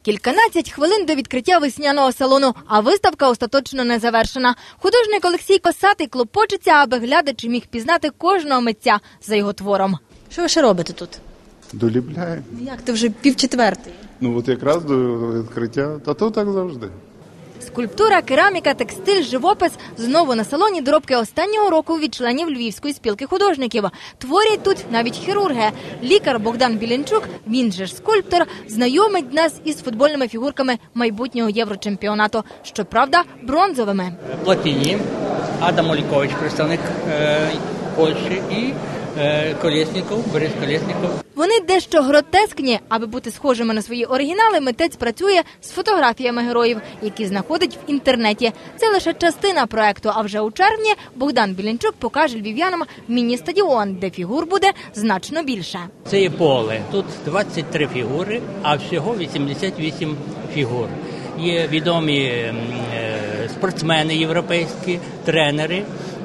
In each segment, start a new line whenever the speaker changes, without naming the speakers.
Кільканадцять хвилин до відкриття весняного салону, а виставка остаточно не завершена. Художник Олексій Косатий клопочеться, аби глядач міг пізнати кожного митця за його твором.
Що ви ще робите тут?
Доліпляємо.
Як, ти вже 3:30?
Ну от якраз до відкриття, та то так завжди.
Скульптура, кераміка, текстиль, живопис – знову на салоні доробки останнього року від членів Львівської спілки художників. Творять тут навіть хірурги. Лікар Богдан Білінчук, він же ж скульптор, знайомить нас із футбольними фігурками майбутнього єврочемпіонату. Щоправда, бронзовими.
Платіні, Адам Олікович, представник Польщі, і Колєсніков, Борис Колєсніков.
Вони дещо гротескні. Аби бути схожими на свої оригінали, митець працює з фотографіями героїв, які знаходить в інтернеті. Це лише частина проекту, а вже у червні Богдан Білінчук покаже львів'янам міні-стадіон, де фігур буде значно більше.
Це є поле. Тут 23 фігури, а всього 88 фігур. Є відомі спортсмени європейські, тренери,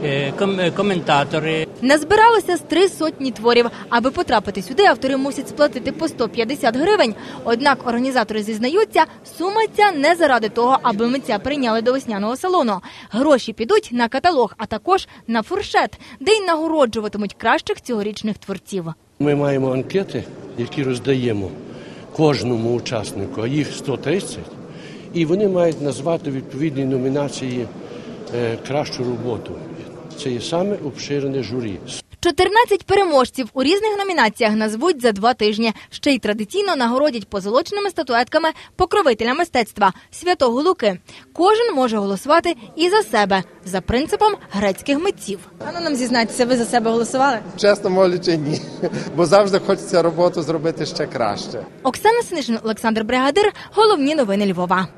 коментатори.
Назбиралося з 300 творів. Аби потрапити сюди, автори мусять сплатити по 150 гривень. Однак організатори зізнаються, сума ця не заради того, аби митця прийняли до весняного салону. Гроші підуть на каталог, а також на фуршет, де й нагороджуватимуть кращих цьогорічних творців.
Ми маємо анкети, які роздаємо кожному учаснику, а їх 130. І вони мають назвати відповідні номінації кращу роботу. Це є саме обширене журі.
14 переможців у різних номінаціях назвуть за 2 тижні. Ще й традиційно нагородять позолоченими статуетками покровителя мистецтва – Святого Луки. Кожен може голосувати і за себе, за принципом грецьких митців.
А ну нам зізнайтеся, ви за себе голосували?
Чесно мовлячи, ні. Бо завжди хочеться роботу зробити ще краще.
Оксана Снишин, Олександр Бригадир. Головні новини Львова.